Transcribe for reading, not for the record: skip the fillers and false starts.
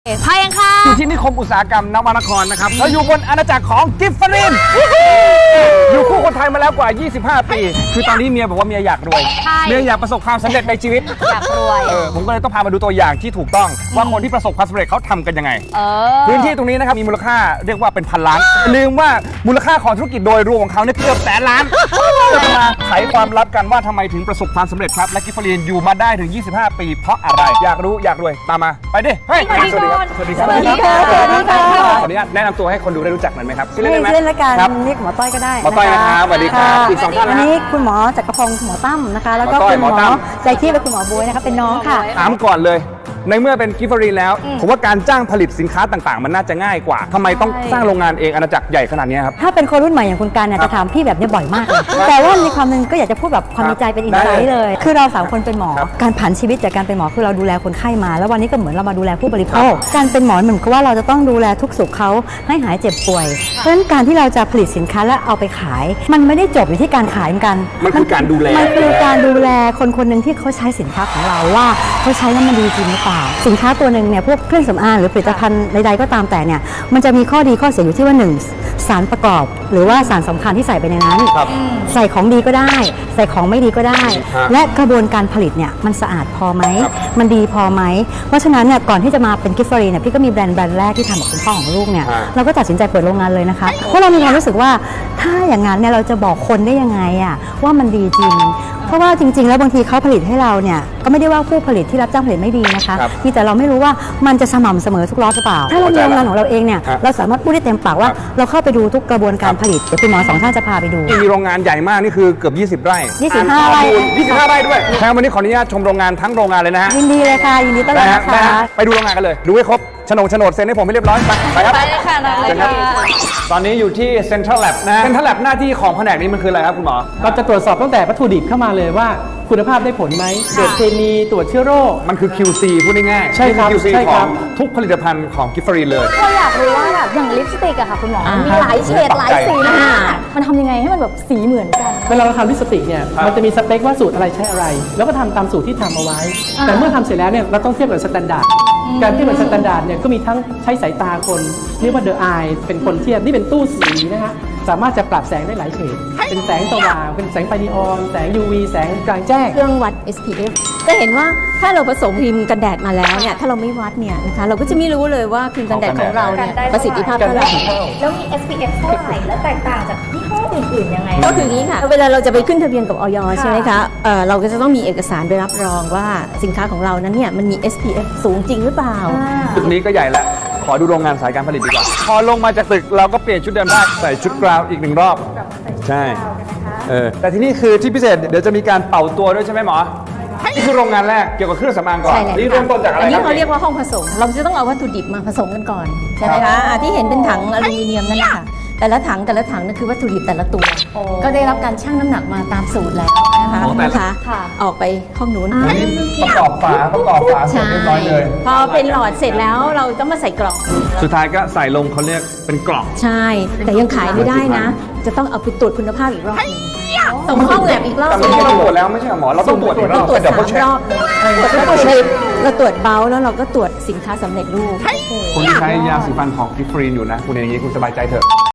พายังค่ะอยู่ที่นิคมอุตสาหกรรมนวนครนะครับเราอยู่บนอาณาจักรของกิฟฟรินอยู่คู่คนไทยมาแล้วกว่า 25 ปี คือตอนนี้เมียบอกว่าเมียอยากรวย เมียอยากประสบความสำเร็จในชีวิตอยากรวยผมก็เลยต้องพามาดูตัวอย่างที่ถูกต้องว่าคนที่ประสบความสำเร็จเขาทำกันยังไง พื้นที่ตรงนี้นะครับมีมูลค่าเรียกว่าเป็นพันล้านลืมว่ามูลค่าของธุรกิจโดยรวมของเขาเนี่ยเกือบแสนล้านจะมาไขความลับกันว่าทำไมถึงประสบความสำเร็จครับและกิฟฟรินอยู่มาได้ถึง 25 ปี เพราะอะไรอยากรู้อยากรวยตามมาไปดิเฮ้ยสวัสดีครับสวัสดีครับสวัสดีค่ะขออนุญาตแนะนำตัวให้คนดูได้รู้จักหน่อยไหมครับชื่อเล่นได้ไหมชื่อเล่นละกันครับเรียกหมอต้อยก็ได้หมอต้อยนะครับสวัสดีครับอีกสองท่านอันะนฮะนี้คุณหมอจักรพงศ์หมอตั้มนะคะแล้วก็หมอต้อยคุณหมหมอตั้อมใจที่และคุณหมอบ๊วยนะคะเป็นน้องค่ะถามก่อนเลยในเมื่อเป็นกิฟฟรีแล้วผมว่าการจ้างผลิตสินค้าต่างๆ มันน่าจะง่ายกว่าทำไมต้องสร้างโรงงานเองอาณาจักรใหญ่ขนาดนี้ครับถ้าเป็นคนรุ่นใหม่อย่างคุณการเนี่ยจะถามพี่แบบนี้บ่อยมากเลยแต่ว่าในความหนึงก็อยากจะพูดแบบความในใจเป็นอินไซต์เลย คือเราสามคนเป็นหมอครับการผันชีวิตจากการเป็นหมอคือเราดูแลคนไข้มา แล้ววันนี้ก็เหมือนเรามาดูแลผู้บริโภคการเป็นหมอเหมือนกับว่าเราจะต้องดูแลทุกสุขเขาให้หายเจ็บป่วยเพราะฉะนั้นการที่เราจะผลิตสินค้าและเอาไปขาย มันไม่ได้จบอยู่ที่การขายเหมือนกันมันคือการดูแลมันคือการดูแลคนคนหนึ่งที่เขาใช้สินค้าของเราว่าเขาใช้แล้วมันดีจริงหรือเปล่าสินค้าตัวหนึ่งเนี่ยพวกเครื่องสำอางหรือผลิตภัณฑ์ใดๆก็ตามแต่เนี่ยมันจะมีข้อดีข้อเสียอยู่ที่ว่า 1. สารประกอบ หรือว่าสารสำคัญที่ใส่ไปในนั้นครับใส่ของดีก็ได้ ใส่ของไม่ดีก็ได้ฮะและกระบวนการผลิตเนี่ยมันสะอาดพอไหมครับมันดีพอไหมเพราะฉะนั้นเนี่ยก่อนที่จะมาเป็นกิฟฟรีเนี่ยพี่ก็มีแบรนด์แรกที่ทำกับคุณพ่อของลูกเนี่ยฮะเราก็ตัดสินใจเปิดโรงงานเลยนะคะเพราะเรามีความรู้สึกว่าถ้าอย่างนั้นเนี่ยเราจะบอกคนได้ยังไงอะว่ามันดีจริง เพราะว่าจริงๆ แล้วบางทีเขาผลิตให้เราเนี่ยก็ไม่ได้ว่าผู้ผลิตที่รับจ้างผลิตไม่ดีนะคะครับมีแต่เราไม่รู้ว่ามันจะสม่ำเสมอทุกรอบหรือเปล่า ถ้าเรามีโรงงานของเราเองเนี่ยครับเราสามารถพูดได้เต็มปากว่าครับเราเข้าไปดูทุกกระบวนการผลิตเดี๋ยวคุณหมอสองท่านจะพาไปดูมีโรงงานใหญ่มากนี่คือเกือบ 20 ไร่ 25 ไร่ 25 ไร่ด้วยแทนวันนี้ขออนุญาตชมโรงงานทั้งโรงงานเลยนะฮะยินดีเลยค่ะ ยินดีต้อนรับนะได้คะฮะไปดูโรงงานกันเลยดูให้ครบโฉนดเซ็นให้ผมให้เรียบร้อยไปครับไปเลยค่ะได้เลยเชิญครับค่ะตอนนี้อยู่ที่ Central Lab นะ Central Lab หน้าที่ของแผนกนี้มันคืออะไรครับคุณหมอเราจะตรวจสอบตั้งแต่วัตถุดิบเข้ามาเลยว่าคุณภาพได้ผลไหมตรวจเคมีตรวจเชื้อโรคมันคือ QC พูดง่ายๆใช่ครับนี่อ QC ใช่ขครัอบ งทุกผลิตภัณฑ์ของกิฟฟรีเลยก็อยากรู้ว่าแบบอย่างลิปสติกอะค่ะคุณหมอมันมีหลายเฉดหลายสีมากมันทำยังไงให้มันแบบสีเหมือนกันเวลาเราทำลิปสติกเนี่ยครับมันจะมีสเปคว่าสูตรอะไรใช้อะไร แล้วก็ทำตามสูตรที่ทำเอาไว้ แต่เมื่อทำเสร็จแล้วเนี่ยเราต้องเทียบกับสแตนดาร์ดการเทียบกับสแตนดาร์ดเนี่ยก็มีทั้งใช้สายตาคนเรียกว่า the eye เป็นคนเทียบนี่เป็นตู้สีนะฮะสามารถจะปรับแสงได้หลายเฉดเป็นแสงสว่างเป็นแสงไฟนีออนแสง UV แสงกลางแจ้งเครื่องวัด SPF จะเห็นว่าถ้าเราผสมครีมกันแดดมาแล้วเนี่ยถ้าเราไม่วัดเนี่ยนะคะเราก็จะไม่รู้เลยว่าครีมกันแดดของเราเนี่ยประสิทธิภาพเท่าไหร่แล้วมี SPF เท่าไหร่แล้วแตกต่างจากยี่ห้ออื่นๆยังไงก็คืออย่างนี้ค่ะเวลาเราจะไปขึ้นทะเบียนกับออยใช่ไหมคะเราก็จะต้องมีเอกสารไปรับรองว่าสินค้าของเรานั้นเนี่ยมันมี SPF สูงจริงหรือเปล่าตึกนี้ก็ใหญ่แล้ว ขอดูโรงงานสายการผลิตดีกว่า พอลงมาจากตึกเราก็เปลี่ยนชุดเดิมได้ใส่ชุดกราวอีกหนึ่งรอบ ใช่แต่ที่นี่คือที่พิเศษเดี๋ยวจะมีการเป่าตัวด้วยใช่ไหมหมอ นี่คือโรงงานแรกเกี่ยวกับเครื่องสำอางก่อนใช่เลยนี่เริ่มต้นจากอะไรอันคนี้รับเขาเรียกว่าห้องผสม เราจะต้องเอาวัตถุดิบมาผสมกันก่อนใช่ไหมคะที่เห็นเป็นถังอลูมิเนียมนั่นแหละค่ะแต่ละถังนั่นคือวัตถุดิบแต่ละตัว ก็ได้รับการชั่งน้ำหนักมาตามสูตรแล้วนะคะอ๋อแต่ละนะคะออกไปห้องนู้นอันนี้ประกอบฝาเสร็จเรียบร้อยเลยพอเป็นหลอดเสร็จแล้วเราต้องมาใส่กล่องสุดท้ายก็ใส่ลงเขาเรียกเป็นกล่องใช่ แต่ยังขายไม่ได้นะ จะต้องเอาไปตรวจคุณภาพอีกรอบหนึงส่งห้องแลบอีกรอบแต่หนึเมื่งอกี้เราตรวจแล้วไม่ใช่เหรอหมอ เราต้องตรวจอีกรอบตรวจเดี๋ยวสาเขามเช็ครอบเลยเราตรวจเบาแล้วเราก็ตรวจสินค้าสำเร็จรูปคุณที่ใช้ยาสีฟันของกิฟฟรีนอยู่นะ คุณเองอย่างนี้คุณสบายใจเถอะ